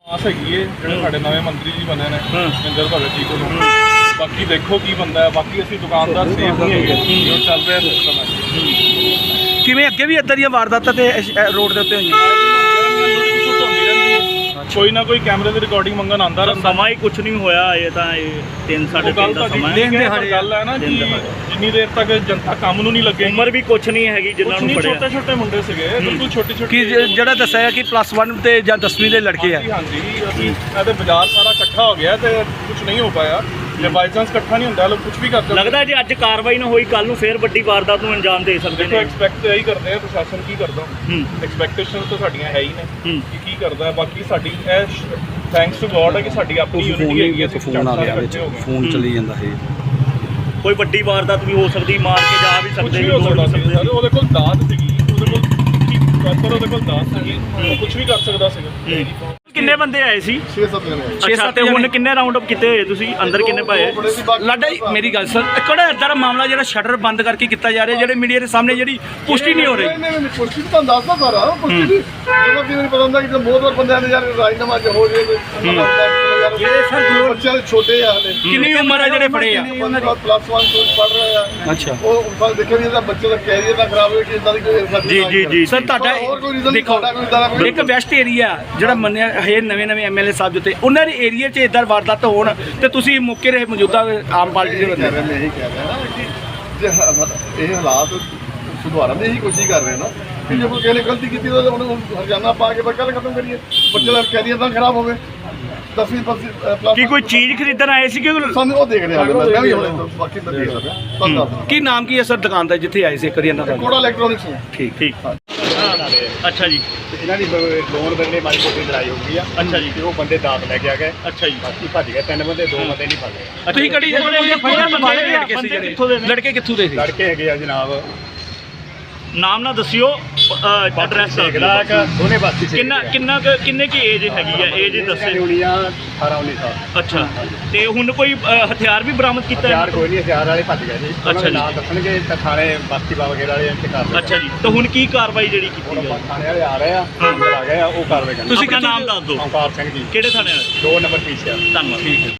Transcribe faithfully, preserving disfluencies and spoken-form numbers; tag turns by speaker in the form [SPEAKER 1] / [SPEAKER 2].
[SPEAKER 1] ਆਸ ਹੈਗੀ ਏ ਜਿਹੜੇ ਸਾਡੇ ਨਵੇਂ ਮੰਤਰੀ ਜੀ ਬਣੇ ਨੇ ਮਹਿੰਦਰ ਭਗਤ ਜੀ ਕੋਲੋਂ। ਬਾਕੀ ਦੇਖੋ ਕੀ ਬੰਦਾ ਹੈ। ਬਾਕੀ ਅਸੀਂ ਦੁਕਾਨਦਾਰ ਸੇਫ ਨਹੀਂ ਹੈਗੇ ਜੋ ਚੱਲ ਰਿਹਾ ਸਿਸਟਮ ਹੈ।
[SPEAKER 2] ਕਿਵੇਂ ਅੱਗੇ ਵੀ ਇੱਦਾਂ ਦੀਆਂ ਵਾਰਦਾਤਾਂ ਤੇ ਰੋਡ ਦੇ ਉੱਤੇ ਹੋਈਆਂ?
[SPEAKER 1] ਕੋਈ ਨਾ ਕੋਈ ਕੈਮਰੇ ਦੀ ਰਿਕਾਰਡਿੰਗ ਮੰਗਣ ਆਉਂਦਾ ਰਹਿੰਦਾ।
[SPEAKER 3] ਸਮਾਂ ਹੀ ਕੁਛ ਨਹੀਂ ਹੋਇਆ ਇਹ ਤਾਂ ਇਹ ਤਿੰਨ ਸਾਢੇ ਤਿੰਨ ਦਾ ਸਮਾਂ
[SPEAKER 1] ਦਿਨ ਦਿਹਾੜੇ ਗੱਲ ਹੈ ਨਾ ਕਿ ਜਿੰਨੀ ਦੇਰ ਤੱਕ ਜਨਤਾ ਕੰਮ ਨੂੰ ਨਹੀਂ ਲੱਗੇ।
[SPEAKER 3] ਉਮਰ ਵੀ ਕੁਛ ਨਹੀਂ ਹੈਗੀ ਜਿਨ੍ਹਾਂ ਨੂੰ ਫੜਿਆ।
[SPEAKER 1] ਛੋਟੇ ਛੋਟੇ ਮੁੰਡੇ ਸੀਗੇ ਬਿਲਕੁਲ ਛੋਟੇ ਛੋਟੇ।
[SPEAKER 2] ਕਿ ਜਿਹੜਾ ਦੱਸਿਆ ਹੈ ਕਿ ਪਲੱਸ ਵਨ ਤੇ ਜਾਂ ਦਸਵੀਂ ਦੇ ਲੜਕੇ ਆ।
[SPEAKER 1] ਹਾਂਜੀ ਅਸੀਂ ਇਹਦੇ ਬਾਜ਼ਾਰ ਸਾਰਾ ਇਕੱਠਾ ਹੋ ਗਿਆ ਤੇ ਕੁਝ ਨਹੀਂ ਹੋ ਪਾਇਆ। ਜੇ ਬਾਈ ਚਾਂਸ ਇਕੱਠਾ ਨਹੀਂ ਹੁੰਦਾ ਲੋਕ ਕੁਝ ਵੀ ਕਰ ਸਕਦੇ।
[SPEAKER 3] ਲੱਗਦਾ ਜੇ ਅੱਜ ਕਾਰਵਾਈ ਨਾ ਹੋਈ ਕੱਲ ਨੂੰ ਫੇਰ ਵੱਡੀ ਵਾਰਦਾਤ ਨੂੰ ਅੰਜਾਮ ਦੇ ਸਕਦੇ ਨੇ।
[SPEAKER 1] ਐਕਸਪੈਕਟ ਇਹੀ ਕਰਦੇ ਆ ਪ੍ਰਸ਼ਾਸਨ ਕੀ ਕਰਦਾ। ਐਕਸਪੈਕਟੇਸ਼ਨ ਤਾਂ ਸਾਡੀਆਂ ਹੈ ਹੀ ਨੇ ਕਿ ਕੀ ਕਰਦਾ। ਬਾਕੀ ਸਾਡੀ ਇਹ ਥੈਂਕਸ ਟੂ ਗੋਡ ਹੈ ਕਿ ਸਾਡੀ ਆਪਣੀ ਯੂਨਿਟੀ ਹੈਗੀ ਹੈ।
[SPEAKER 2] ਫੋਨ ਆ ਗਿਆ ਵਿੱਚ ਫੋਨ ਚੱਲੀ ਜਾਂਦਾ ਹੈ।
[SPEAKER 3] ਕੋਈ ਵੱਡੀ ਵਾਰਦਾਤ ਵੀ ਹੋ ਸਕਦੀ, ਮਾਰ ਕੇ ਜਾ ਵੀ ਸਕਦੇ
[SPEAKER 1] ਹੋ ਸਕਦਾ ਸੀ। ਉਹਦੇ ਕੋਲ ਦਾਤ ਸੀਗੀ, ਉਹਦੇ ਕੋਲ ਪ੍ਰੋਪਰ ਉਹਦੇ ਕੋਲ ਦਾਤ ਸੀਗੀ, ਕੁਝ ਵੀ ਕਰ ਸਕਦਾ ਸੀਗਾ।
[SPEAKER 3] ਕਿੰਨੇ ਬੰਦੇ ਆਏ ਸੀ?
[SPEAKER 1] ਛੇ ਸੱਤ ਜਣੇ।
[SPEAKER 3] ਅੱਛਾ ਤੇ ਹੁਣ ਕਿੰਨੇ ਰਾਉਂਡ ਅਪ ਕੀਤੇ ਹੋਏ ਤੁਸੀਂ? ਅੰਦਰ ਕਿੰਨੇ ਪਾਏ?
[SPEAKER 2] ਲਾਡਾ ਜੀ ਮੇਰੀ ਗੱਲ ਸਰ ਕਿਹੜਾ ਇੱਦਾਂ ਦਾ ਮਾਮਲਾ ਜਿਹੜਾ ਸ਼ਟਰ ਬੰਦ ਕਰਕੇ ਕੀਤਾ ਜਾ ਰਿਹਾ, ਜਿਹੜੇ ਮੀਡੀਆ ਦੇ ਸਾਹਮਣੇ ਜਿਹੜੀ ਪੁਸ਼ਟੀ ਨਹੀਂ ਹੋ ਰਹੀ?
[SPEAKER 4] ਨਹੀਂ ਨਹੀਂ ਪੁਸ਼ਟੀ ਤਾਂ ਦੱਸਦਾ ਸਾਰਾ ਪੁਸ਼ਟੀ ਦੀ ਜਦੋਂ ਕਿ ਮੈਨੂੰ ਪਤਾ ਹੁੰਦਾ ਕਿ ਬਹੁਤ ਵਾਰ ਬੰਦਿਆਂ ਨੇ ਯਾਰ ਰਾਜਨਾਮਾ ਚ ਹੋ ਜੇ
[SPEAKER 2] ਜਿਹੜੇ ਸਰ
[SPEAKER 4] ਬੱਚੇ ਛੋਟੇ ਆ ਹਲੇ।
[SPEAKER 2] ਕਿੰਨੀ ਉਮਰ ਹੈ ਜਿਹੜੇ ਫੜੇ ਆ?
[SPEAKER 4] ਪਲੱਸ ਵਨ ਤੋਂ ਪੜ ਰਹੇ ਆ।
[SPEAKER 2] ਅੱਛਾ
[SPEAKER 4] ਉਹ ਫਲ ਦੇਖਿਆ ਵੀ ਇਹਦਾ ਬੱਚੇ ਦਾ ਕੈਰੀਅਰ ਨਾ ਖਰਾਬ ਹੋਵੇ ਕਿ ਇਦਾਂ ਦੀ ਕੋਈ
[SPEAKER 3] ਜੀ ਜੀ ਜੀ
[SPEAKER 2] ਸਰ ਤੁਹਾਡਾ ਦੇਖੋ ਇੱਕ ਵੈਸਟ ਏਰੀਆ ਜਿਹੜਾ ਮੰਨਿਆ ਹੈ ਨਵੇਂ ਨਵੇਂ ਐਮਐਲਏ ਸਾਹਿਬ ਜਿੱਤੇ ਉਹਨਾਂ ਦੇ ਏਰੀਆ 'ਚ ਇਦਾਂ ਵਾਰਦਾਤ ਹੋਣ ਤੇ ਤੁਸੀਂ ਮੌਕੇ ਰਹੇ ਮੌਜੂਦਾ ਆਮ ਪਾਰਟੀ ਦੇ ਬੰਦੇ
[SPEAKER 4] ਮੈਂ ਇਹੀ ਕਹਿ ਰਿਹਾ ਨਾ ਕਿ ਜੇ ਇਹ ਹਾਲਾਤ ਸੁਧਾਰਨ ਦੀ ਹੀ ਕੋਸ਼ਿਸ਼ ਕਰ ਰਹੇ ਨਾ ਕਿ ਜੇ ਕੋਈ ਕਿਸੇ ਨੇ ਗਲਤੀ ਕੀਤੀ ਤਾਂ ਉਹਨੂੰ ਹਰਜਾਨਾ ਪਾ ਕੇ ਬੱਕਾ ਖਤਮ ਕਰੀਏ। ਬੱਚੇ ਦਾ ਕੈਰੀਅਰ ਤਾਂ ਖਰਾਬ ਹੋਵੇ। ਦਸਵੀਂ ਪਲੱਸ
[SPEAKER 3] ਕੀ ਕੋਈ ਚੀਜ਼ ਖਰੀਦਣ ਆਏ ਸੀ ਕਿ
[SPEAKER 4] ਸਾਨੂੰ ਉਹ ਦੇਖ ਰਿਹਾ ਮੈਂ ਵੀ ਹੁਣ ਬਾਕੀ ਮੈਂ ਦੇਖ ਰਿਹਾ।
[SPEAKER 2] ਕੀ ਨਾਮ ਕੀ ਹੈ ਸਰ ਦੁਕਾਨ ਦਾ ਜਿੱਥੇ ਆਏ ਸੀ ਇੱਕ ਵਾਰੀ ਇਹਨਾਂ ਦਾ?
[SPEAKER 4] ਕੋੜਾ ਇਲੈਕਟ੍ਰੋਨਿਕਸ ਹੈ।
[SPEAKER 2] ਠੀਕ
[SPEAKER 3] ਠੀਕ ਅੱਛਾ ਜੀ।
[SPEAKER 5] ਇਹਨਾਂ ਦੀ ਲੋਨ ਬੰਦੇ ਮਾੜੀ ਮੋਟੀ ਲੜਾਈ ਹੋ ਗਈ ਆ।
[SPEAKER 3] ਅੱਛਾ ਜੀ।
[SPEAKER 5] ਤੇ ਉਹ ਬੰਦੇ ਦਾਤ ਲੈ ਕੇ ਆ ਗਏ।
[SPEAKER 3] ਅੱਛਾ ਜੀ।
[SPEAKER 5] ਬਾਕੀ ਭੱਜ ਗਏ ਤਿੰਨ ਬੰਦੇ, ਦੋ ਬੰਦੇ ਨਹੀਂ ਫੜ ਲਏ।
[SPEAKER 2] ਤੁਸੀਂ ਕੜੀ ਲੜਕੇ ਕਿੱਥੋਂ ਦੇ ਸੀ?
[SPEAKER 5] ਲੜਕੇ ਹੈਗੇ ਆ ਜਨਾਬ,
[SPEAKER 3] ਨਾਮ ਨਾ ਦੱਸਿਓ, ਐਡਰੈਸ
[SPEAKER 5] ਦੇਖਦਾ ਕਿ ਦੋਨੇ ਬਾਤੀ ਸੀ।
[SPEAKER 3] ਕਿੰਨਾ ਕਿੰਨਾ ਕੁ- ਕਿੰਨੇ ਕੀ ਏਜ ਹੈਗੀ ਆ? ਏਜ ਦੱਸੇ।
[SPEAKER 5] ਦੁਨੀਆ ਅਠਾਰਾਂ ਉੱਨੀ ਸਾਲ।
[SPEAKER 3] ਅੱਛਾ ਤੇ ਹੁਣ ਕੋਈ ਅ, ਹਥਿਆਰ ਵੀ ਬਰਾਮਦ ਕੀਤਾ ਹੈ?
[SPEAKER 5] ਹਥਿਆਰ ਕੋਈ ਨਹੀਂ, ਹਥਿਆਰ ਵਾਲੇ ਭੱਜ ਗਏ ਜੀ।
[SPEAKER 3] ਅੱਛਾ ਜੀ।
[SPEAKER 5] ਨਾਂ ਦੱਸਣਗੇ ਤਾਂ ਥਾਣੇ ਬਸਤੀ ਬਾਬਾ ਵਗੈਰਾ ਵਾਲੇ ਇੱਥੇ ਕਰ
[SPEAKER 3] ਅੱਛਾ ਜੀ। ਤਾਂ ਹੁਣ ਕੀ ਕਾਰਵਾਈ ਜਿਹੜੀ ਕੀਤੀ
[SPEAKER 5] ਹੁਣ
[SPEAKER 3] ਜਾਏ?
[SPEAKER 5] ਥਾਣੇ ਵਾਲੇ ਆ ਰਹੇ ਆ, ਅੰਦਰ ਆ ਗਏ ਆ, ਉਹ ਕਾਰਵਾਈ ਕਰਨਗੇ।
[SPEAKER 3] ਤੁਸੀਂ ਆਪਣਾ ਨਾਮ ਦੱਸ ਦਿਓ।
[SPEAKER 5] ਓਮਕਾਰ ਸਿੰਘ ਜੀ,
[SPEAKER 3] ਕਿਹੜੇ ਥਾਣੇ ਵਾਲੇ?
[SPEAKER 5] ਦੋ ਨੰਬਰ ਪੀਛੇ ਆ।
[SPEAKER 3] ਧੰਨਵਾਦ।